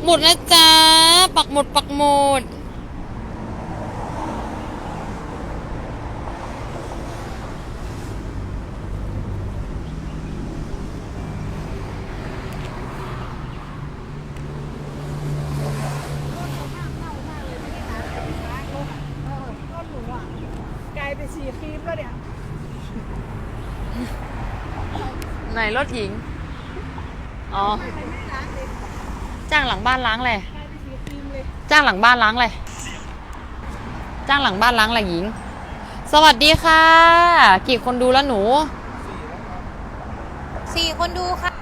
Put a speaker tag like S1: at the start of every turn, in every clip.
S1: หมุดนะจ๊ะปักหมุดปักหมุด
S2: กลายเป็นสีครีมแล้วเนี่ย
S1: ไหนรถหญิงอ๋อจ้างหลังบ้านล้างเลยจ้างหลังบ้านล้างเลยจ้างหลังบ้านล้างอะไรหญิงสวัสดีค่ะกี่คนดูแล้วหนู
S3: 4 คนดูค่ะ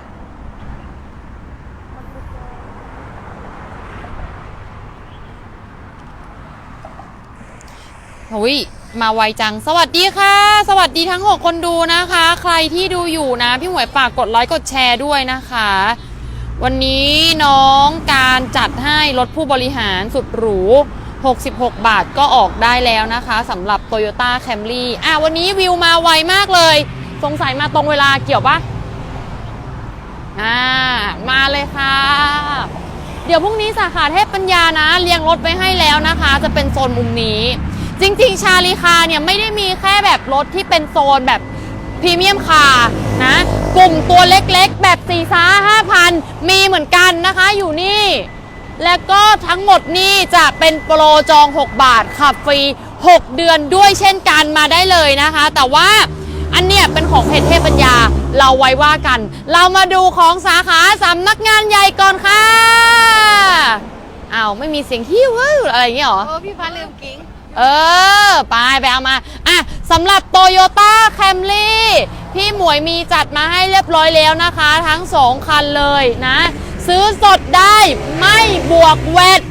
S1: หุยมาไวจังสวัสดีค่ะสวัสดีทั้ง6คนดูนะคะใครที่ดูอยู่นะพี่หมวยฝากกดไลค์กดแชร์ด้วยนะคะวันนี้น้องการจัดให้รถผู้บริหารสุดหรู66 บาทก็ออกได้แล้วนะคะสำหรับ Toyota Camry วันนี้วิวมาไวมากเลยสงสัยมาตรงเวลาเกี่ยวปะมาเลยค่ะเดี๋ยวพรุ่งนี้สาขาเทพปัญญานะเรียงรถไว้ให้แล้วนะคะจะเป็นโซนมุมนี้จริงๆชาลีคาเนี่ยไม่ได้มีแค่แบบรถที่เป็นโซนแบบพรีเมียมคาร์นะกลุ่มตัวเล็กๆแบบ4-5,000มีเหมือนกันนะคะอยู่นี่แล้วก็ทั้งหมดนี่จะเป็นโปรจอง6 บาทขับฟรี6 เดือนด้วยเช่นกันมาได้เลยนะคะแต่ว่าอันเนี้ยเป็นของเพจเทพปัญญาเราไว้ว่ากันเรามาดูของสาขาสำนักงานใหญ่ก่อนค่ะไม่มีเสียงฮิ้วอะไรอย่างเงี้ยหรอ
S3: พี่ฟ้าลืมกิ้ง
S1: ไปเอามาสำหรับ Toyota Camry พี่หมวยมีจัดมาให้เรียบร้อยแล้วนะคะทั้ง2 คันเลยนะซื้อสดได้ไม่บวกแวต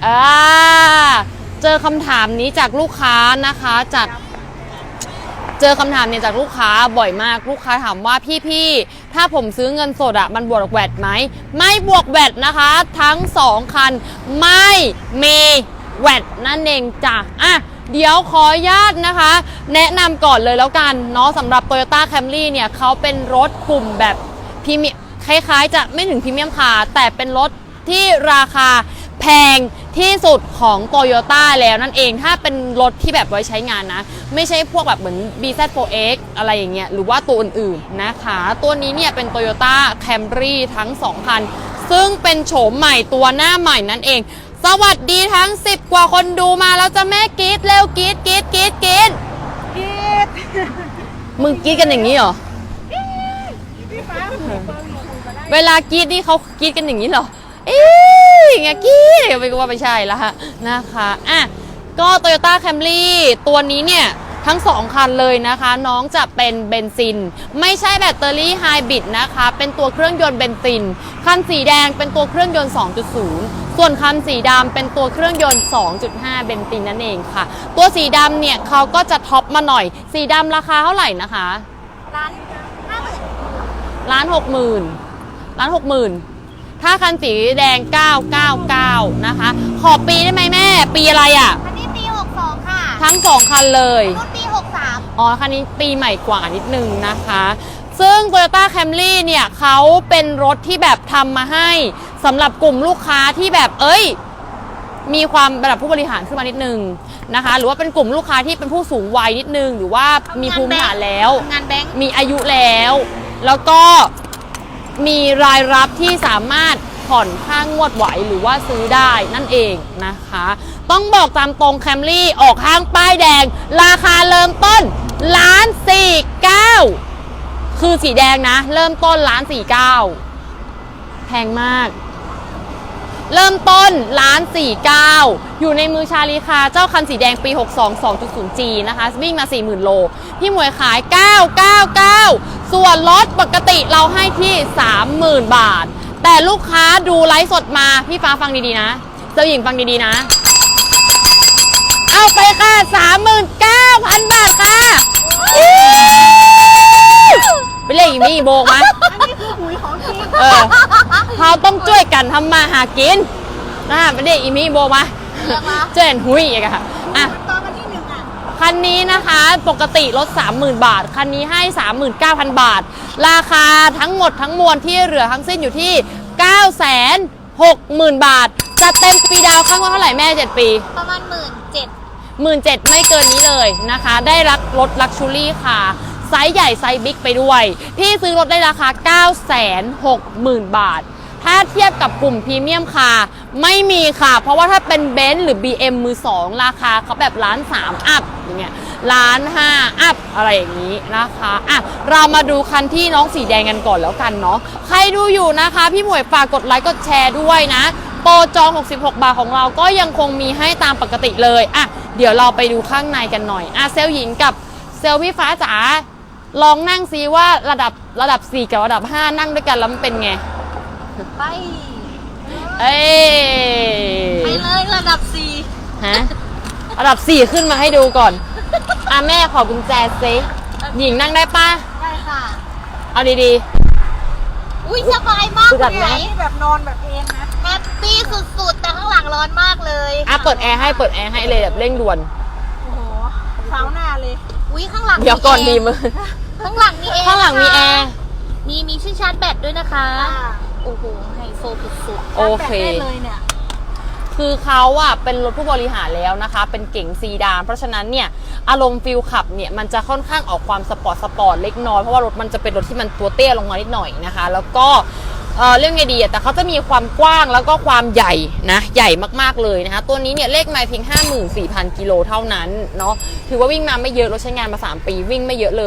S1: เจอคำถามนี้จากลูกค้านะคะเจอคำถามเนี่ยจากลูกค้าบ่อยมากลูกค้าถามว่าพี่ถ้าผมซื้อเงินสดมันบวกแวตไหมไม่บวกแวตนะคะทั้ง2 คันไม่มีแวตนั่นเองจ้ะเดี๋ยวขออนุญาตนะคะแนะนำก่อนเลยแล้วกันเนาะสำหรับ Toyota Camry เนี่ยเขาเป็นรถกลุ่มแบบพรีเมียมคล้ายๆจะไม่ถึงพรีเมียมคาร์แต่เป็นรถที่ราคาแพงที่สุดของ Toyota แล้วนั่นเองถ้าเป็นรถที่แบบไว้ใช้งานนะไม่ใช่พวกแบบเหมือน BZ4X อะไรอย่างเงี้ยหรือว่าตัวอื่นๆนะคะตัวนี้เนี่ยเป็น Toyota Camry ทั้ง2 คันซึ่งเป็นโฉมใหม่ตัวหน้าใหม่นั่นเองสวัสดีทั้ง10 กว่าคนดูมาแล้วจะแม่กรี๊ดเร็วกรี๊ดมึงกรี๊ดกันอย่างนี้เหรอเวลากรี๊ดนี่เขากรี๊ดกันอย่างนี้เหรออย่างเงี้ยกรี๊ดไปก็ว่าไม่ใช่ละนะคะก็ Toyota Camry ตัวนี้เนี่ยทั้ง2 คันเลยนะคะน้องจะเป็นเบนซินไม่ใช่แบตเตอรี่ไฮบริดนะคะเป็นตัวเครื่องยนต์เบนซินคันสีแดงเป็นตัวเครื่องยนต์ 2.0 ส่วนคันสีดำเป็นตัวเครื่องยนต์ 2.5 เบนซินนั่นเองค่ะตัวสีดำเนี่ยเขาก็จะท็อปมาหน่อยสีดำราคาเท่าไหร่นะคะ1,60,000ถ้าคันสีแดง999นะคะขอปีได้ไหมแม่ปีอะไร
S3: คันนี้ปี62ค่ะ
S1: ทั้ง2 คันเลย
S3: รุ่นปี63
S1: คันนี้ปีใหม่กว่านิดนึงนะคะซึ่ง Toyota Camry เนี่ยเขาเป็นรถที่แบบทำมาให้สำหรับกลุ่มลูกค้าที่แบบมีความระดับผู้บริหารขึ้นมานิดนึงนะคะหรือว่าเป็นกลุ่มลูกค้าที่เป็นผู้สูงวัยนิดนึงหรือว่ามีภูมิฐานแล้วมีอายุแล้วก็มีรายรับที่สามารถผ่อนค่างวดไหวหรือว่าซื้อได้นั่นเองนะคะต้องบอกตามตรง Camry ออกห้างป้ายแดงราคาเริ่มต้น1,490,000คือสีแดงนะเริ่มต้น1,490,000แพงมากเริ่มต้น1,490,000อยู่ในมือชาลีคาเจ้าคันสีแดงปี62 2.0G นะคะวิ่งมา 40,000 โลพี่หมวยขาย999ส่วนลดปกติเราให้ที่ 30,000 บาทแต่ลูกค้าดูไลฟ์สดมาพี่ฟ้าฟังดีๆนะเจ้าหญิงฟังดีๆนะเอาไปค่ะ 39,000 บาทค่ะไปเรียกอีมี่โบกมา
S3: อันนี้คือหุยของจริง
S1: เขาต้องช่วยกันทำมาหากินไปเรียกอีมี่โบกมาเจนหุยอีกค่ะ
S3: ตอนวันที่1
S1: คันนี้นะคะปกติลด 30,000 บาทคันนี้ให้ 39,000 บาทราคาทั้งหมดทั้งมวลที่เหลือทั้งสิ้นอยู่ที่ 60,000 บาทจะเต็มปีดาวข้างว่าเท่าไหร่แม่7 ปี
S3: ประมาณ17,000
S1: 17,000ไม่เกินนี้เลยนะคะ ได้รับรถลักชูรี่ค่ะไซส์ใหญ่ไซส์บิ๊กไปด้วย พี่ซื้อรถได้ราคา 960,000 บาท ถ้าเทียบกับกลุ่มพรีเมียมค่ะไม่มีค่ะ เพราะว่าถ้าเป็นเบนซ์หรือ BM มือ 2 ราคาเขาแบบ1.3 ล้านอัพอย่างเงี้ย1.5 ล้านอัพอะไรอย่างนี้นะคะอ่ะเรามาดูคันที่น้องสีแดงกันก่อนแล้วกันเนาะใครดูอยู่นะคะพี่หมวยฝากกดไลค์กดแชร์ด้วยนะโปรจอง66 บาทของเราก็ยังคงมีให้ตามปกติเลยอ่ะเดี๋ยวเราไปดูข้างในกันหน่อยอ่ะเซลล์หญิงกับเซลล์พี่ฟ้าจ๋าลองนั่งซิว่าระดับ4กับระดับ5นั่งด้วยกันแล้วมันเป็นไง
S3: ไป
S1: เอ้ย
S3: ไปเลยระดับ
S1: ฮะระดับ4ขึ้นมาให้ดูก่อนอ่ะแม่ขอกุญแจซิหญิงนั่งได้ป่ะ
S3: 4ได้ค่ะ
S1: เอาดี
S3: อุ้ยสบายมาก
S1: อึดอัดไหม
S3: เลย
S2: นี่แบบนอนแบบเองนะ
S3: แฮปปี้สุดๆ แต่ข้างหลังร้อนมากเลย
S1: ๆอ่ะเปิดแอร์ให้เลยแบบเร่งด่วน
S2: โอ้โหเท้าหน้าเลย
S3: อุ้ยข้างหลัง
S1: เดี๋ยวก่อนดี
S3: แร์
S1: มือ
S3: ข้างหลังมีแอร์
S1: ข้างหลังมีแอร์
S3: มีชื่อชาร์จแบตด้วยนะคะ โอ้โหไฮโซสุด
S1: โอเค
S2: แบบได้เลยเนี่ย
S1: คือเขาอะเป็นรถผู้บริหารแล้วนะคะ เป็นเก๋งซีดานเพราะฉะนั้นเนี่ยอารมณ์ฟิลขับเนี่ยมันจะค่อนข้างออกความสปอร์ตเล็กน้อยเพราะว่ารถมันจะเป็นรถที่มันตัวเตี้ยลงมานิดหน่อยนะคะ แล้วก็เรื่องไงดีอะแต่เขาจะมีความกว้างแล้วก็ความใหญ่นะใหญ่มากๆเลยนะคะตัวนี้เนี่ยเลขไมล์เพียง 54,000 กิโลเท่านั้นเนาะถือว่าวิ่งมาไม่เยอะรถใช้งานมา3 ปีวิ่งไม่เยอะเลย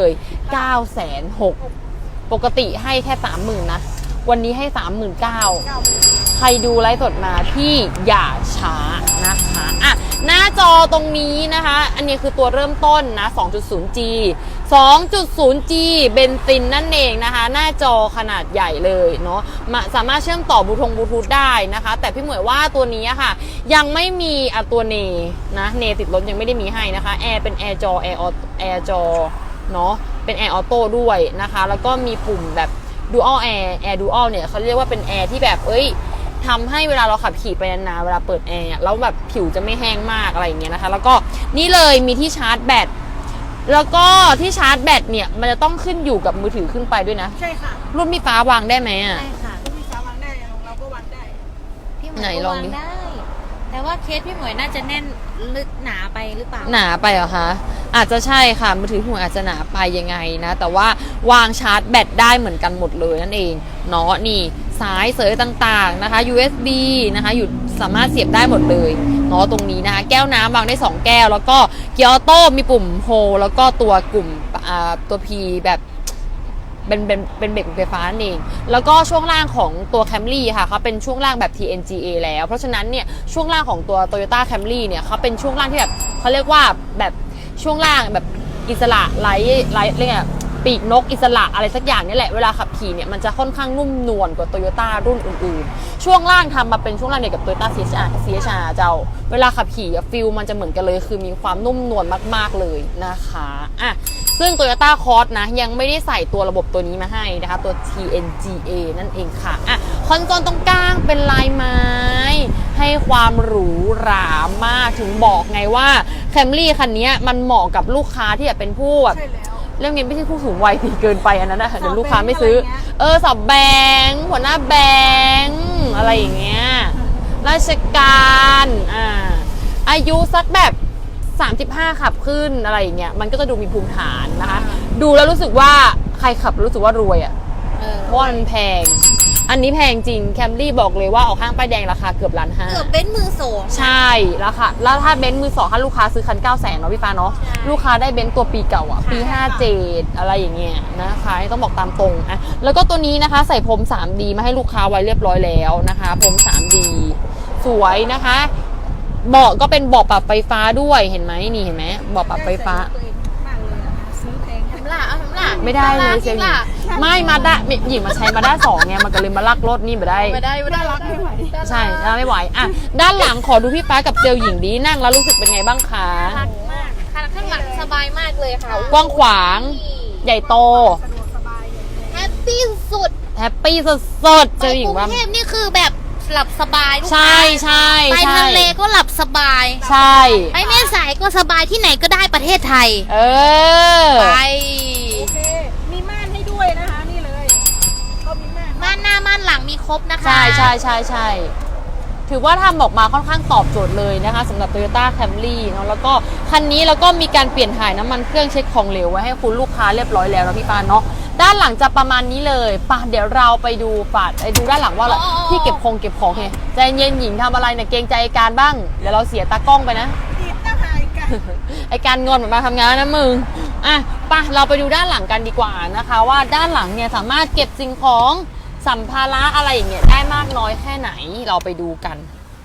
S1: 960,000ปกติให้แค่ 30,000 นะวันนี้ให้ 39,000 ใครดูไลฟ์สดมาพี่อย่าช้านะคะอ่ะหน้าจอตรงนี้นะคะ อันนี้คือตัวเริ่มต้นนะ 2.0G 2.0G เบนซินนั่นเองนะคะ หน้าจอขนาดใหญ่เลยเนาะสามารถเชื่อมต่อบลูทูธได้นะคะ แต่พี่หมวยว่าตัวนี้ค่ะ ยังไม่มีตัวเนนะเนติดรถยังไม่ได้มีให้นะคะแอร์เป็นแอร์จอเนาะเป็นแอร์ออโต้ด้วยนะคะ แล้วก็มีปุ่มแบบDual Air Dual เนี่ยเขาเรียกว่าเป็นแอร์ที่แบบทำให้เวลาเราขับขี่ไปนานๆเวลาเปิดแอร์แล้วแบบผิวจะไม่แห้งมากอะไรอย่างเงี้ยนะคะแล้วก็นี่เลยมีที่ชาร์จแบตแล้วก็ที่ชาร์จแบตเนี่ยมันจะต้องขึ้นอยู่กับมือถือขึ้นไปด้วยนะ
S2: ใช่ค่ะ
S1: รุ่นพี่ฟ้าวางได้ไหม
S3: ๆ
S1: อ่ะ
S3: ใช่ค่ะ
S2: พี่สาวางได้ของเราก็วางได้
S3: พี่หมวย
S1: ไหน
S3: ก็
S1: ลอง
S3: วาง
S1: ดิ
S3: ได้ แต่ว่าเคสพี่หมวยน่าจะแน่นลึกหนาไปหรือเปล่า
S1: หนาไปเหรอคะอาจจะใช่ค่ะมือถือพี่หมวยอาจจะหนาไปยังไงนะแต่ว่าวางชาร์จแบตได้เหมือนกันหมดเลยนั่นเองเนาะนี่สายเสยต่างๆนะคะ USB นะคะอยู่สามารถเสียบได้หมดเลยเนาะตรงนี้นะคะแก้วน้ำวางได้2แก้วแล้วก็เกียร์ออโต้มีปุ่มโฮแล้วก็ตัวกลุ่มตัว P แบบเป็นเบรกไฟฟ้านั่นเองแล้วก็ช่วงล่างของตัว Camry ค่ะเขาเป็นช่วงล่างแบบ TNGA แล้วเพราะฉะนั้นเนี่ยช่วงล่างของตัว Toyota Camry เนี่ยเขาเป็นช่วงล่างที่แบบเขาเรียกว่าแบบช่วงล่างแบบอิสระไร้เรียกไงปีกนกอิสระอะไรสักอย่างนี่แหละเวลาขับขี่เนี่ยมันจะค่อนข้างนุ่มนวลกว่า Toyota รุ่นอื่นๆช่วงล่างทำมาเป็นช่วงล่างเดียวกับ Toyota CHR เจ้าเวลาขับขี่ฟิลมันจะเหมือนกันเลยคือมีความนุ่มนวลมากๆเลยนะคะอ่ะซึ่ง Toyota Cross นะยังไม่ได้ใส่ตัวระบบตัวนี้มาให้นะคะตัว TNGA นั่นเองค่ะอ่ะคอนโซลตรงกลางเป็นลายไม้ให้ความหรูหรามากถึงบอกไงว่า Camry คันนี้มันเหมาะกับลูกค้าที่แบบเป็นผู้แบบ
S2: ใช่แล้ว
S1: เรื่องนี้ไม่ใช่ผู้สูงวัยสิเกินไปอันนั้นนะเดี๋ยวลูกค้าไม่
S2: สอบแบงค์
S1: ซื้อ
S2: อะไรเงี้ย
S1: สอบแบงค์หัวหน้าแบงค์อะไรอย่างเงี้ยราชการอายุสักแบบ35ขับขึ้นอะไรอย่างเงี้ยมันก็จะดูมีภูมิฐานนะคะดูแล้วรู้สึกว่าใครขับรู้สึกว่ารวยอ่ะเพราะว่ามันแพงอันนี้แพงจริงแคมรี่บอกเลยว่าออกข้างป้ายแดงราคาเกือบ1.5 ล้าน
S3: เกือบเป็นมือสอง
S1: ใช่แล้วค่ะแล้วถ้าเบนซ์มือ2ถ้าลูกค้าซื้อคัน 900,000 เนาะพี่ฟ้าเนาะ
S3: ใช่
S1: ลูกค้าได้เบนซ์ตัวปีเก่าอ่ะปี 57 อะไรอย่างเงี้ยนะคะต้องบอกตามตรงอ่ะแล้วก็ตัวนี้นะคะใส่พรม 3D มาให้ลูกค้าไว้เรียบร้อยแล้วนะคะพรม 3D สวยนะคะเบาะก็เป็นเบาะปรับไฟฟ้าด้วยเห็นไหมนี่เห็นไหมเบาะปรับไฟฟ้า
S2: ตัวเองมากเลยอะซื้อแพง
S3: ทำล่ะเอาทำล่ะ
S1: ไม่ได้เลยเซลล์หญิงไม่มาด้าหญิงมาใช้มาด้า2ไงมันก็เลยมาลักรถนี่ไม่ได้
S3: ไม่ได้ไม่ได้
S2: รักไม่ไหว
S1: ใช่ไม่ไหวอ่ะด้านหลังขอดูพี่ฟ้ากับเซลล์หญิงดีนั่งแล้วรู้สึกเป็นไงบ้างคะ
S3: รักมากข้างหลังสบายมากเลยค่ะ
S1: กว้างขวางใหญ่โต
S2: สะดวกสบายเลย
S3: แฮปปี้สุด
S1: แฮปปี้สดๆเซลล์หญิง
S3: ไปกรุ
S1: ว่า
S3: งเทพนี่คือแบบหลับสบายลูกค้า
S1: ใช่ใช่
S3: ไป
S1: ใช่
S3: ทะเลก็หลับสบาย
S1: ใช่
S3: ไปแม่สายก็สบายที่ไหนก็ได้ประเทศไทย
S1: เออ
S3: ไป
S2: โอเค มีม่านให้ด้วยนะคะ นี่เลย ก็มีม่าน
S3: ม่านหน้าม่านหลังมีครบนะคะ
S1: ใช่ใช่ใช่ใช่ถือว่าทำออกมาค่อนข้างตอบโจทย์เลยนะคะสำหรับ Toyota Camry เนาะแล้วก็คันนี้แล้วก็มีการเปลี่ยนถ่ายน้ำมันเครื่องเช็คของเหลวไว้ให้คุณลูกค้าเรียบร้อยแล้วนะพี่ปานเนาะด้านหลังจะประมาณนี้เลยป่ะเดี๋ยวเราไปดูดูด้านหลังว่าที่เก็บของไงใจเย็นหญิงทำอะไรเนี่ยเกรงใจไอ้การบ้างเดี๋ยวเราเสียตากล้องไปนะ
S2: ติดตะไคร่กัน
S1: ไอการงอนเหมือนมาทำงานนะมึงอ่ะไปเราไปดูด้านหลังกันดีกว่านะคะ ว่าด้านหลังเนี่ยสามารถเก็บสิ่งของสัมภาระอะไรอย่างเงี้ยได้มากน้อยแค่ไหนเราไปดูกัน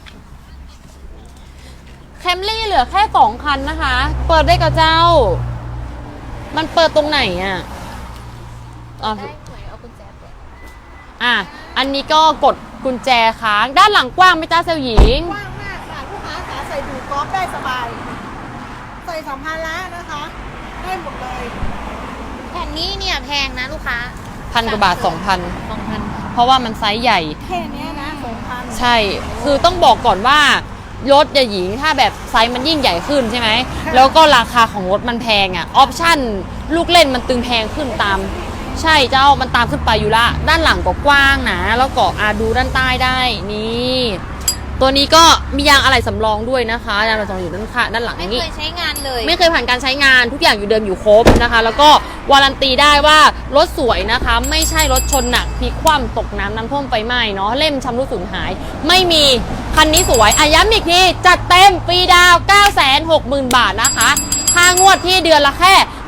S1: แคมรี่เหลือแค่2คันนะคะ เปิดได้กับเจ้า มันเปิดตรงไหนอ่ะอ๋อ
S3: ได้หวยเอากุญแจเปิด
S1: อ่ะอันนี้ก็กดกุญแจค้างด้านหลังกว้างไหมจ้าเซลหญิง
S2: กว้างมากค่ะลูกค้าขาใส่ดูกอล์ฟได้สบาย ใส่สัมภาระนะคะ ได้หมดเลย
S3: แผ่นนี้เนี่ยแพงนะลูกค้า
S1: 1,000 กว่าบาท 2,000
S3: 2,000
S1: เพราะว่ามันไซส์ใหญ่
S2: แค่เนี้ยนะ2,000
S1: ใช่ คือต้องบอกก่อนว่ารถอย่าหญิงถ้าแบบไซส์มันยิ่งใหญ่ขึ้นใช่ไหม แล้วก็ราคาของรถมันแพงอ่ะ ออปชั่นลูกเล่นมันตึงแพงขึ้นตาม ใช่เจ้ามันตามขึ้นไปอยู่ละ ด้านหลังก็กว้างนะ แล้วก็ดูด้านใต้ได้นี่ ตัวนี้ก็มียางอะไหล่สำรองด้วยนะคะยางอะไหล่สำรองอยู่ด้านข้างด้านหลัง
S3: ไม่
S1: นี้
S3: เคยใช้งานเลย
S1: ไม่เคยผ่านการใช้งานทุกอย่างอยู่เดิมอยู่ครบนะคะ แล้วก็วารันตีได้ว่ารถสวยนะคะ ไม่ใช่รถชนหนักพลิกคว่ำตกน้ำท่วมไฟไหม้เนาะเล่มชำรุดสูญหาย ไม่มีคันนี้สวยย้ำอีกทีจัดเต็มฟรีดาว 960,000 บาทนะคะค่างวดที่เดือนละแค่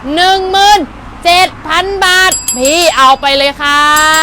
S1: 17,000 บาทพี่เอาไปเลยค่ะ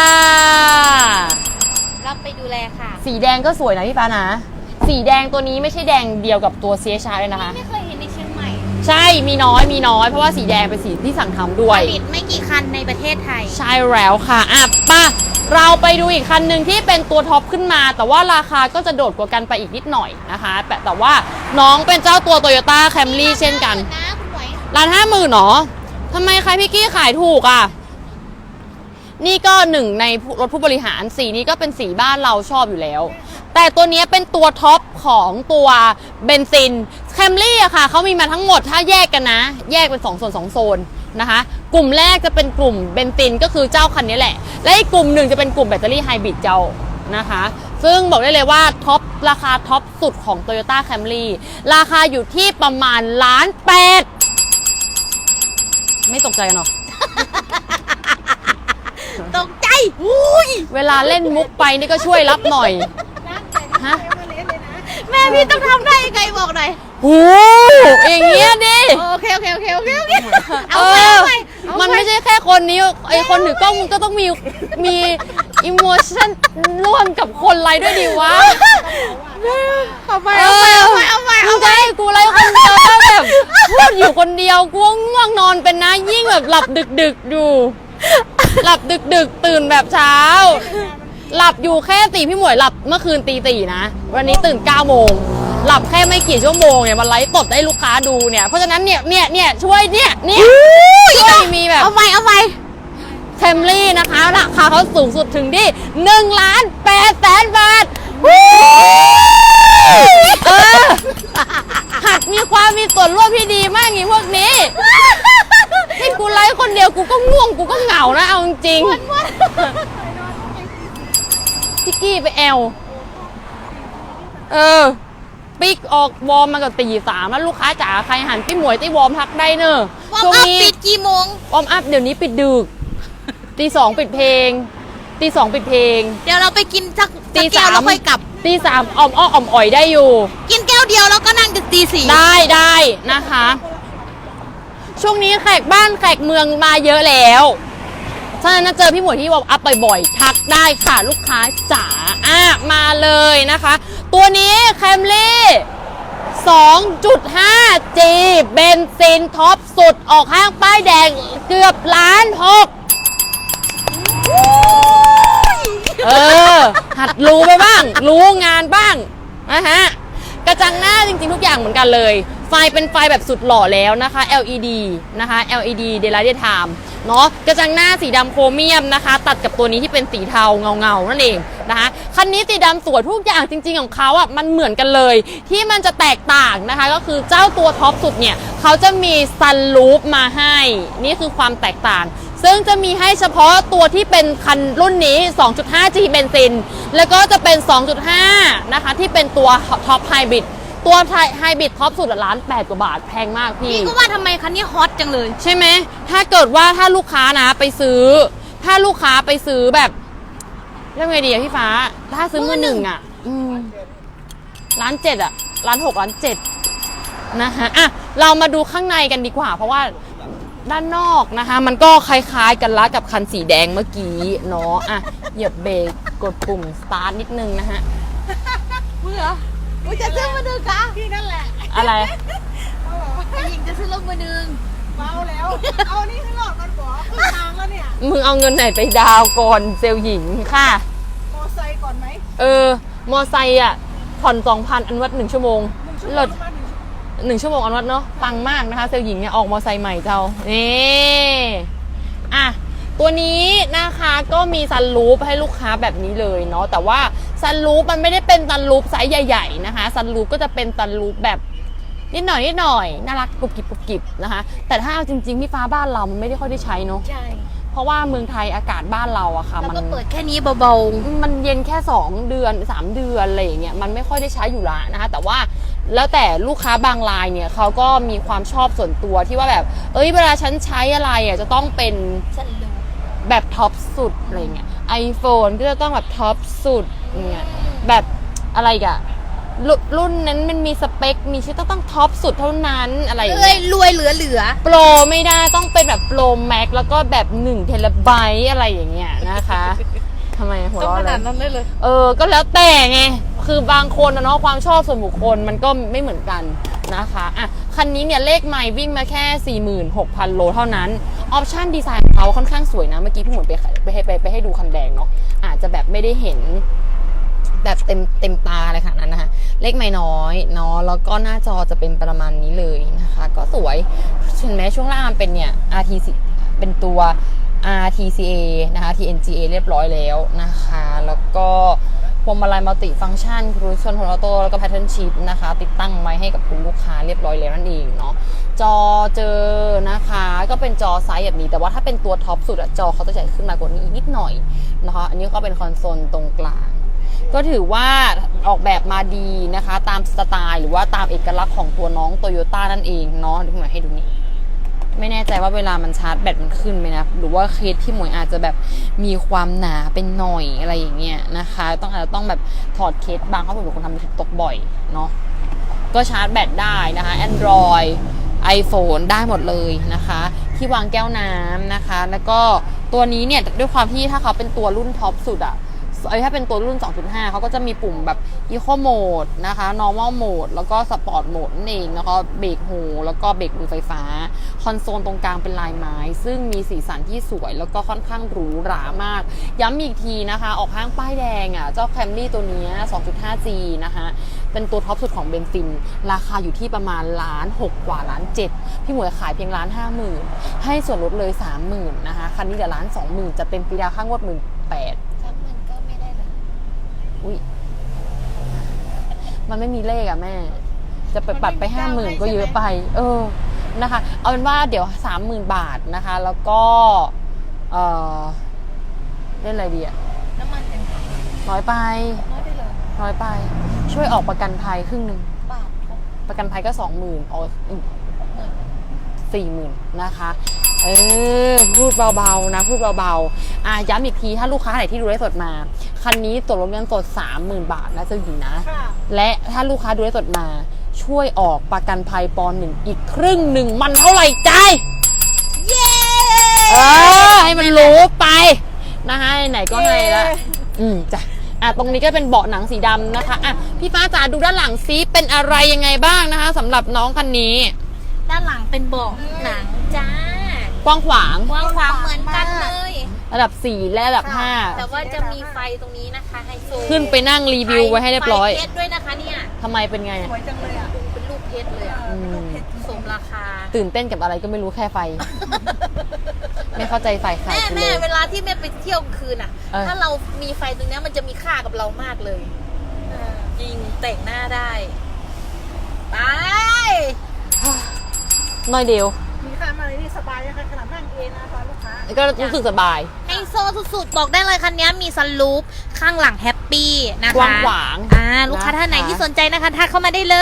S3: รับไปดูแลค่ะ
S1: สีแดงก็สวยนะพี่ปานะสีแดงตัวนี้ไม่ใช่แดงเดียวกับตัว CHR เลยนะคะ
S3: ไม่เคยเห็นในเชียงใหม่
S1: ใช่มีน้อยเพราะว่าสีแดงเป็นสีที่สั่งทำด้วย
S3: ผลิตไม่กี่คันในประเทศไทย
S1: ใช่แล้วค่ะป่ะเราไปดูอีกคันหนึ่งที่เป็นตัวท็อปขึ้นมา แต่ว่าราคาก็จะโดดกว่ากันไปอีกนิดหน่อยนะคะแต่ว่าน้องเป็นเจ้าตัว Toyota Camry เช่นกัน
S3: นะคุณหวย
S1: 150,000หรอทำไมใครพี่กี้ขายถูกอ่ะนี่ก็หนึ่งในรถผู้บริหารสีนี้ก็เป็นสีบ้านเราชอบอยู่แล้ว แต่ตัวนี้เป็นตัวท็อปของตัวเบนซินแคมรี่อะค่ะเขามีมาทั้งหมดถ้าแยกกันนะแยกเป็น2 โซน 2 โซนนะคะกลุ่มแรกจะเป็นกลุ่มเบนซินก็คือเจ้าคันนี้แหละและอีกกลุ่มหนึ่งจะเป็นกลุ่มแบตเตอรี่ไฮบริดเจ้านะคะซึ่งบอกได้เลยว่าท็อปราคาท็อปสุดของ Toyota Camry ราคาอยู่ที่ประมาณ1.8 ล้านไม่ตกใจกันหรอ
S3: ตกใจอุ้ย
S1: เวลาเล่นมุกไปนี่ก็ช่วยรับหน่อย ฮะ
S2: มาเละเลยนะ
S3: แม่พี่ต้องทำได้ยังไงบอกหน่อย
S1: หูอย่างเงี้ยดิ
S3: โอเคเอา
S1: เอ
S3: ไป
S1: อ
S3: เอาไป
S1: มันไม่ใช่แค่คนนี้ไอคนถือกล้องมันก็ต้องมีอิโมชันร่วมกับคนไลฟ์ด้วยดีวะ
S3: เอาไป
S1: มึงจะให้กูไลฟ์คนเดียวแล้วแบบพูดอยู่คนเดียวกูง่วงนอนเป็นนะยิ่งแบบหลับดึกๆอยู่หลับดึกตื่นแบบเช้า หลับอยู่แค่ตีพี่หมวยหลับเมื่อคืนตี นะวันนี้ตื่น9 โมงหลับแค่ไม่กี่ชั่วโมงเนี่ยมันไลฟ์สดให้ลูกค้าดูเนี่ยเพราะฉะนั้นเนี่ยช่วยเนี่ยช่วยมีแบบ
S3: เอาไป
S1: แคมรี่นะคะราคาเขาสูงสุดถึงที่1,800,000 บาทหัดมีความมีส่วนร่วมที่ดีมากอย่างพวกนี้ให้กูไลฟ์คนเดียวกูก็ง่วงกูก็เหงานะเอาจริงพี่กี้ไปแอลปิ๊กออกวอร์มมากับตี 3แล้วลูกค้าจ๋าใครหันพี่หมวยตีวอร์มทักได้เนอะ
S3: วอร์ม
S1: ช่วง
S3: อัพ
S1: นี้
S3: ปิดกี่โมง
S1: วอร์มอัพเดี๋ยวนี้ปิดดึกตี 2ปิดเพลงตี 2ปิดเพลง
S3: เดี๋ยวเราไปกินสัก
S1: ตี
S3: แก้ว
S1: 3
S3: แล้วค่อยกลับ
S1: ตี 3อ่อมอ่อยได้อยู่
S3: กินแก้วเดียวแล้วก็นั่งถึงตี 4
S1: ได้นะคะ ช่วงนี้แขกบ้านแขกเมืองมาเยอะแล้วฉะนั้นเจอพี่หมวยที่วอร์มอัพบ่อยๆทักได้ค่ะลูกค้าจ๋ามาเลยนะคะ ตัวนี้แคมรี่ 2.5G เบนซินท็อปสุดออกห้างป้ายแดงเกือบ1.6 ล้าน หัดรู้ไปบ้าง รู้งานบ้างนะฮะกระจังหน้าจริงๆทุกอย่างเหมือนกันเลยไฟเป็นไฟแบบสุดหล่อแล้วนะคะ LED นะคะ LED Daylight Time เนาะกระจังหน้าสีดำโครเมียมนะคะตัดกับตัวนี้ที่เป็นสีเทาเงานั่นเองนะคะคันนี้สีดำสวยทุกอย่างจริงๆของเขาอ่ะมันเหมือนกันเลยที่มันจะแตกต่างนะคะก็คือเจ้าตัวท็อปสุดเนี่ยเขาจะมีซันรูฟมาให้นี่คือความแตกต่างซึ่งจะมีให้เฉพาะตัวที่เป็นคันรุ่นนี้ 2.5G เบนซิน แล้วก็จะเป็น 2.5 นะคะที่เป็นตัวท็อปไฮบริดตัวไฮบริดท็อปสุดละ1,800,000 กว่าบาทแพงมากพี่
S3: พี่ก็ว่าทำไมคันนี้ฮอตจังเลย
S1: ใช่ไหมถ้าเกิดว่าถ้าลูกค้านะไปซื้อ ถ้าลูกค้าไปซื้อแบบเรื่องไงดีอะพี่ฟ้าถ้าซื้อมือหนึ่งอะ1,700,000อะ1,600,000 นะคะอ่ะเรามาดูข้างในกันดีกว่า เพราะว่าด้านนอกนะคะมันก็คล้ายๆกันละกับคันสีแดงเมื่อกี้เนาะอ่ะเหยียบเบรกกดปุ่มสตาร์ทนิดนึงนะฮะ
S3: เบื่อ
S2: กูจะซื้อมาดูกะพี่นั่นแหละ
S1: อะไร
S3: ไอ้หญิงจะซื้อรถมือหนึ่ง
S2: เมาแล้ว เอานี่ให้หลอดมันบอกขึ้นทางแล้วเนี่ย
S1: มึงเอาเงินไหนไปดาวน์ก่อนเซลล์หญิงค่ะ
S2: มอไซค์ก่อนไหม
S1: มอไซค์อ่ะผ่อน 2,000 อันวัด1 ชั่วโมง
S2: 1 ชั่วโมง
S1: เลิศ
S2: มา1 ชั่วโมง
S1: 1 ชั่วโมงอันวัดเนาะปังมากนะคะเซลล์หญิงเนี่ยออกมอไซค์ใหม่เจ้านี่อ่ะตัวนี้นะคะก็มีซันรูฟให้ลูกค้าแบบนี้เลยเนาะแต่ว่าซันรูฟมันไม่ได้เป็นซันรูฟไซส์ใหญ่ๆนะคะซันรูฟก็จะเป็นซันรูฟแบบนิดหน่อยน่ารักกรุบกริบนะคะแต่ถ้าเอาจริงๆพี่ฟ้าบ้านเรามันไม่ได้ค่อยได้ใช้เนาะ
S3: ใช่
S1: เพราะว่าเมืองไทยอากาศบ้านเราอะค่ะ
S3: แล้ว
S1: มัน
S3: ก็เปิดแค่นี้เบา
S1: มันเย็นแค่2 เดือน3 เดือนอะไรอย่างเงี้ยมันไม่ค่อยได้ใช้อยู่ละนะคะแต่ว่าแล้วแต่ลูกค้าบางรายเนี่ยเขาก็มีความชอบส่วนตัวที่ว่าแบบเวลาฉันใช้อะไรอะจะต้องเป็น
S3: ๆฉันรู้
S1: แบบท็อปสุดอะไรเงี้ย iPhone ก็จะต้องแบบท็อปสุดเงี้ยแบบอะไรอีกอะรุ่นนั้นมันมีสเปคมีชื่อต้องท็อปสุดเท่านั้นอะไรอย่าง
S3: เอ้
S1: เงี้
S3: ย
S1: ย
S3: รวยเหลือ
S1: โปรไม่ได้ต้องเป็นแบบโปรแม็กแล้วก็แบบ1 เทราไบต์อะไรอย่างเงี้ยนะคะทำไมหัว
S3: ต้อง
S1: เราะ
S3: ข
S1: อะไร
S3: นาดนั้นได้เลย
S1: ก็แล้วแต่ไงคือบางคนนะเนาะความชอบส่วนบุคคลมันก็ไม่เหมือนกันนะคะอ่ะคันนี้เนี่ยเลขไมล์วิ่งมาแค่ 46,000 โลเท่านั้นออปชั่นดีไซน์ของเขาค่อนข้างสวยนะเมื่อกี้พี่หมวยไปให้ดูคันแดงเนาะอาจจะแบบไม่ได้เห็นแบบเต็มตาอะไรขนาดนั้นนะคะเลขไม่น้อยเนาะแล้วก็หน้าจอจะเป็นประมาณนี้เลยนะคะก็สวยเห็นไหมช่วงล่างมันเป็นเนี่ย RTC เป็นตัว RTCA นะคะ TNGA เรียบร้อยแล้วนะคะแล้วก็พวงมาลัยมัลติฟังก์ชันครูซอนโทรโตแล้วก็แพทเทิร์นชิพนะคะติดตั้งไว้ให้กับคุณลูกค้าเรียบร้อยแล้วนั่นเองเนาะจอเจอนะคะก็เป็นจอไซส์แบบนี้แต่ว่าถ้าเป็นตัวท็อปสุดอะจอเขาจะใหญ่ขึ้นมากว่านี้อีกนิดหน่อยนะคะอันนี้ก็เป็นคอนโซลตรงกลางก็ถือว่าออกแบบมาดีนะคะตามสไตล์หรือว่าตามเอกลักษณ์ของตัวน้องโตโยต้านั่นเองเนาะเดี๋ยวพี่หมวยให้ดูนี่ไม่แน่ใจว่าเวลามันชาร์จแบตมันขึ้นไหมนะหรือว่าเคสพี่หมวยอาจจะแบบมีความหนาเป็นหน่อยอะไรอย่างเงี้ยนะคะอาจจะต้องแบบถอดเคสบางเพราะผมเป็นคนทำตกบ่อยเนาะก็ชาร์จแบตได้นะคะ Android iPhone ได้หมดเลยนะคะที่วางแก้วน้ำนะคะแล้วก็ตัวนี้เนี่ยด้วยความที่ถ้าเขาเป็นตัวรุ่นท็อปสุดอะถ้าเป็นตัวรุ่น 2.5 เขาก็จะมีปุ่มแบบ Eco Mode นะคะ Normal Mode แล้วก็ Sport Mode นั่นเองแล้วก็เบรกหูแล้วก็เบรกมือไฟฟ้าคอนโซลตรงกลางเป็นลายไม้ซึ่งมีสีสันที่สวยแล้วก็ค่อนข้างหรูหรามากย้ำอีกทีนะคะออกห้างป้ายแดงอ่ะเจ้า Camry ตัวนี้ 2.5G นะคะเป็นตัวท็อปสุดของเบนซินราคาอยู่ที่ประมาณ1,600,000 กว่า1,700,000พี่หมวยขายเพียง1,50,000ให้ส่วนลดเลย 30,000 นะคะคันนี้เดี๋ยว1,20,000จะเต็มปีดาวค่างวด 18,000อุ้ยมันไม่มีเลขอะแม่จะไปปัดไป 50,000 ก็เยอะไปนะคะเอาเป็นว่าเดี๋ยว 30,000 บาทนะคะแล้วก็เล่นอะไรดีอะ
S3: น้ำมันเป็น
S1: น้อยไป
S3: น้อยไปเลย
S1: น้อยไปช่วยออกประกันภัยครึ่งหนึ่ง
S3: บาท
S1: ประกันภัยก็ 20,000เอาอีก 40,000 นะคะพูดเบาๆนะพูดเบาๆย้ำอีกทีถ้าลูกค้าไหนที่ดูไลฟ์สดมาคันนี้ส่วนลดเงินสด 30,000 บาทนะเจ้าหญิงนะและถ้าลูกค้าดูไลฟ์สดมาช่วยออกประกันภัยป.1 อีกครึ่งหนึ่งมันเท่าไหร่ใจเย้ให้มันรู้ไปนะคะไหนก็ให้ละจ้ะตรงนี้ก็เป็นเบาะหนังสีดำนะคะพี่ฟ้าจ๋าดูด้านหลังซิเป็นอะไรยังไงบ้างนะคะสำหรับน้องคันนี้
S3: ด้านหลังเป็นเบาะหนังจ้าก
S1: ว้างขวาง
S3: กว้างขวางเหมือนกันเลย
S1: ระดับ4และระดับ5
S3: แต่ว่าจะมีไฟตรงนี้นะคะไฮโซ
S1: ขึ้นไปนั่งรีวิวไว้ให้เรียบร้อย
S3: ไฟเพชรด้วยนะคะเนี่ย
S1: ทำไมเป็นไง
S2: สวยจังเลยอ่ะ
S3: เป็นลูกเพชรเลยอ่ะสมราคา
S1: ตื่นเต้นกับอะไรก็ไม่รู้แค่ไฟ ไม่เข้าใจไฟใคร
S3: แม่เวลาที่แม่ไปเที่ยวคืนอ่ะถ้าเรามีไฟตรงนี้มันจะมีค่ากับเรามากเลยจริงแต่งหน้าได้ไป
S1: น้อยเดียว
S2: มีค่ามมาเลยนี่สบายนะคะขนาดนั่งเองนะคะลูกค้า
S1: ก็รู้สึกสบาย
S3: ไฮโซสุดๆบอกได้เลยคันนี้มีซันรูฟข้างหลังแฮปปี้นะคะ
S1: กว้างขวาง
S3: ลูกค้าท่านไหนที่สนใจนะคะทักเข้ามาได้เลย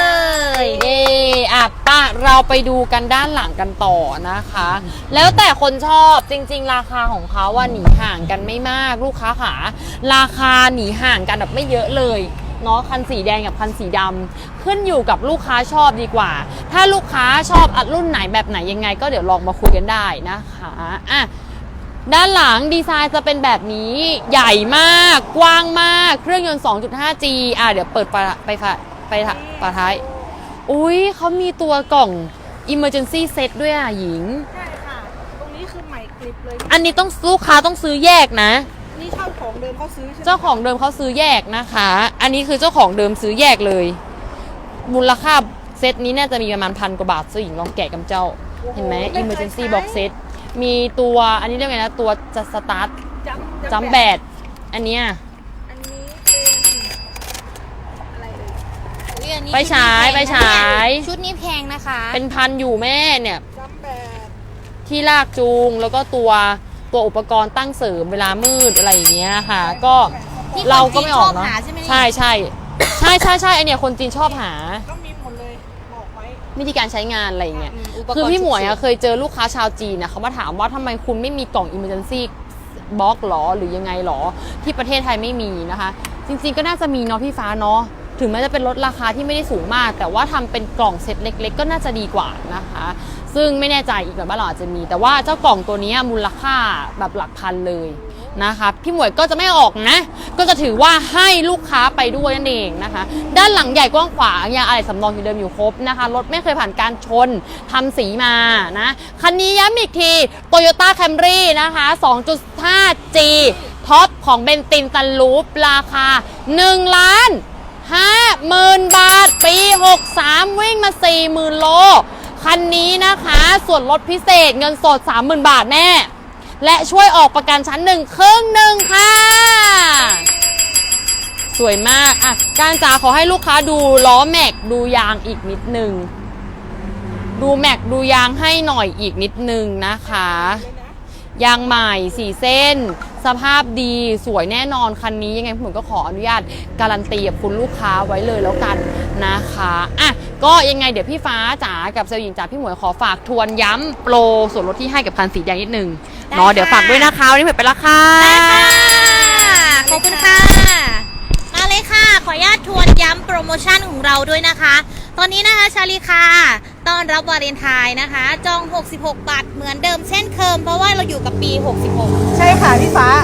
S1: เย่ป้าเราไปดูกันด้านหลังกันต่อนะคะ แล้วแต่คนชอบจริงๆราคาของเขาว่าหนีห่างกันไม่มากลูกค้าขาราคาหนีห่างกันแบบไม่เยอะเลยเนาะคันสีแดงกับคันสีดำขึ้นอยู่กับลูกค้าชอบดีกว่า ถ้าลูกค้าชอบรุ่นไหนแบบไหนยังไงก็เดี๋ยวลองมาคุยกันได้นะคะด้านหลังดีไซน์จะเป็นแบบนี้ใหญ่มากกว้างมากเครื่องยนต์ 2.5G เดี๋ยวเปิดไปฝาท้ายอุ้ยเขามีตัวกล่อง emergency set ด้วยหญิง
S2: ใช่ค่ะตรงนี้คือใหม่กริบเลย
S1: อันนี้ต้องลูกค้าต้องซื้อแยกนะ
S2: นี่เช่าของเดิมเขาซื้อใช่ไหม
S1: เจ้าของเดิมเขาซื้อแยกนะคะ อันนี้คือเจ้าของเดิมซื้อแยกเลย มูลค่าเซตนี้น่าจะมีประมาณ1,000 กว่าบาทซื้อหญิงลองแกะกับเจ้า เห็นไหม emergency box set มีตัวอันนี้เรียกไงนะตัวจะสตาร์ทจัมแบดอันเนี้ย
S2: อันนี้เป็นอะไรเอ่ย
S1: ไปฉาย
S3: ชุดนี้แพงนะคะ
S1: เป็นพันอยู่แม่เนี่ย
S2: จัมแบด
S1: ที่ลากจูงแล้วก็ตัวอุปกรณ์ตั้งเสริมเวลามืดอะไรอย่างเงี้ยค่ะ ก็
S3: ที่
S1: เราก็ไม่ออกเนาะ
S3: คนจีนชอบหาใช่ไหม
S1: ใช่ไอเนี่ยคนจีนชอบหา
S2: ก็มีหมดเลยบอกไว้
S1: วิธีการใช้งานอะไรอย่างเงี้ย
S3: อุปกรณ์
S1: คือพี่หมวย
S3: ฉุกเฉิน
S1: เคยเจอลูกค้าชาวจีนเขามาถามว่าทำไมคุณไม่มีกล่อง emergency box หรอหรือยังไงหรอที่ประเทศไทยไม่มีนะคะ จริงๆก็น่าจะมีเนาะพี่ฟ้าเนาะถึงแม้จะเป็นลดราคาที่ไม่ได้สูงมาก แต่ว่าทำเป็นกล่องเซ็ตเล็กๆก็น่าจะดีกว่านะคะ ซึ่งไม่แน่ใจอีกแบบว่าเราอาจจะมี แต่ว่าเจ้ากล่องตัวนี้มูลค่าแบบหลักพันเลยนะคะพี่หมวยก็จะไม่ออกนะก็จะถือว่าให้ลูกค้าไปด้วยนั่นเองนะคะด้านหลังใหญ่กว้างขวางยางอะไหล่สำรองอยู่เดิมอยู่ครบนะคะรถไม่เคยผ่านการชนทำสีมานะคันนี้ย้ำอีกที Toyota Camry นะคะ 2.5G ท็อปของเบนตินซันรูฟราคา1,50,000 บาทปี 63 วิ่งมา 40,000 โลคันนี้นะคะส่วนลดพิเศษเงินสด 30,000 บาทแน่และช่วยออกประกันชั้น1 ครึ่งหนึ่งค่ะสวยมากการจ๋าขอให้ลูกค้าดูล้อแม็กดูยางอีกนิดนึงดูแม็กดูยางให้หน่อยอีกนิดนึงนะคะยางใหม่4เส้นสภาพดีสวยแน่นอนคันนี้ยังไงผมก็ขออนุญาตการันตีกับคุณลูกค้าไว้เลยแล้วกันนะคะก็ยังไงเดี๋ยวพี่ฟ้าจ๋ากับเซลล์หญิงจ๋าพี่หมวยขอฝากทวนย้ำโปรส่วนลดที่ให้กับคันสีแดงนิดนึงเนาะเดี๋ยวฝากด้วยนะคะวันนี้หมวยไปละค่ะ
S3: ได้ค่ะขอบคุณค่ะมาเลยค่ะขออนุญาตทวนย้ำโปรโมชั่นของเราด้วยนะคะ ตอนนี้นะคะชาลีคาต้อนรับวาเลนไทน์นะคะ จอง 66 บาทเหมือนเดิมเช่นเคยเพราะว่าเราอยู่กับปี 66
S2: ใช่ค่ะพี่ฟ้า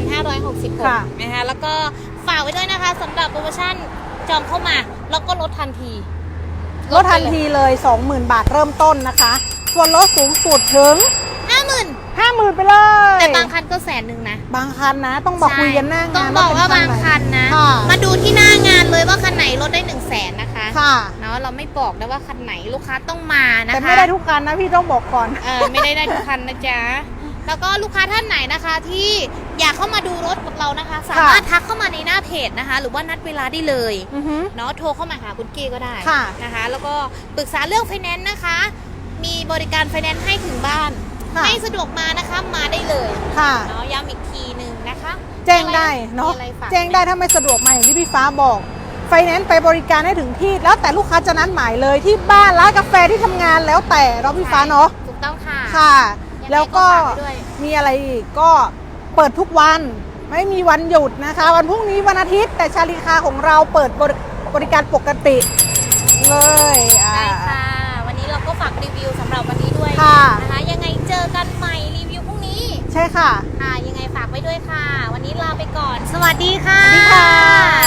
S3: 2566 นะคะแล้วก็ฝากไว้ด้วยนะคะสำหรับโปรโมชั่นจองเข้ามาแล้วก็ลดทันที
S2: ลดทันทีเลย 20,000 บาทเริ่มต้นนะคะส่วนลดสูงสุดถึง
S3: 50,000
S2: ไปเลย
S3: แต่บางคันก็100,000นะ
S2: บางคันนะต้องบอกคุยกันหน้างาน
S3: ต้องบอกว่าบางคันนะ
S2: ค่ะ
S3: มาดูที่หน้างานเลยว่าคันไหนลดได้100,000นะคะ
S2: ค่ะ
S3: เนาะเราไม่บอกนะว่าคันไหนลูกค้าต้องมานะคะ
S2: แต่ไม่ได้ทุกคันนะพี่ต้องบอกก่อน
S3: ไม่ได้ทุกคันนะจ๊ะแล้วก็ลูกค้าท่านไหนนะคะที่อยากเข้ามาดูรถกับเรานะคะ สามารถทักเข้ามาในหน้าเพจนะคะ หรือว่านัดเวลาได้เลย
S2: อือฮึ
S3: เนาะโทรเข้ามาหาคุณกี้ก็ได้
S2: ค่ะ
S3: นะคะ แล้วก็ปรึกษาเรื่องไฟแนนซ์นะคะ มีบริการไฟแนนซ์ให้ถึงบ้าน
S2: ค่ะ
S3: ไม่สะดวกมานะคะมาได้เลย
S2: ค่ะ
S3: เนาะย้ำอีกทีหนึ่งนะคะ
S2: แจ้งได้เนาะ
S3: มีอะไรฝาก
S2: แจ้งได้ถ้าไม่สะดวกมาอย่างที่พี่ฟ้าบอกไฟแนนซ์ไปบริการให้ถึงที่แล้วแต่ลูกค้าจะนัดหมายเลยที่บ้านร้านกาแฟที่ทำงานแล้วแต่เราะพี่ฟ้าเนาะ
S3: ถูกต้องค่ะ
S2: ค่ะ
S3: ยังไง
S2: แล้วก็
S3: ก็ฝากไว้ด้วย
S2: มีอะไรอีกก็เปิดทุกวันไม่มีวันหยุดนะคะ วันพรุ่งนี้วันอาทิตย์แต่ชาลีคาของเราเปิดบริการปกติเลย
S3: ได้ค่ะ วันนี้เราก็ฝากรีวิวสำหรับวันนี้ด้วย
S2: ค่ะ
S3: นะคะ ยังไงเจอกันใหม่รีวิวพรุ่งนี้
S2: ใช่ค่ะ
S3: ค่ะ ยังไงฝากไว้ด้วยค่ะ วันนี้ลาไปก่อน สวัสดีค่ะ
S2: สวัสดีค่ะ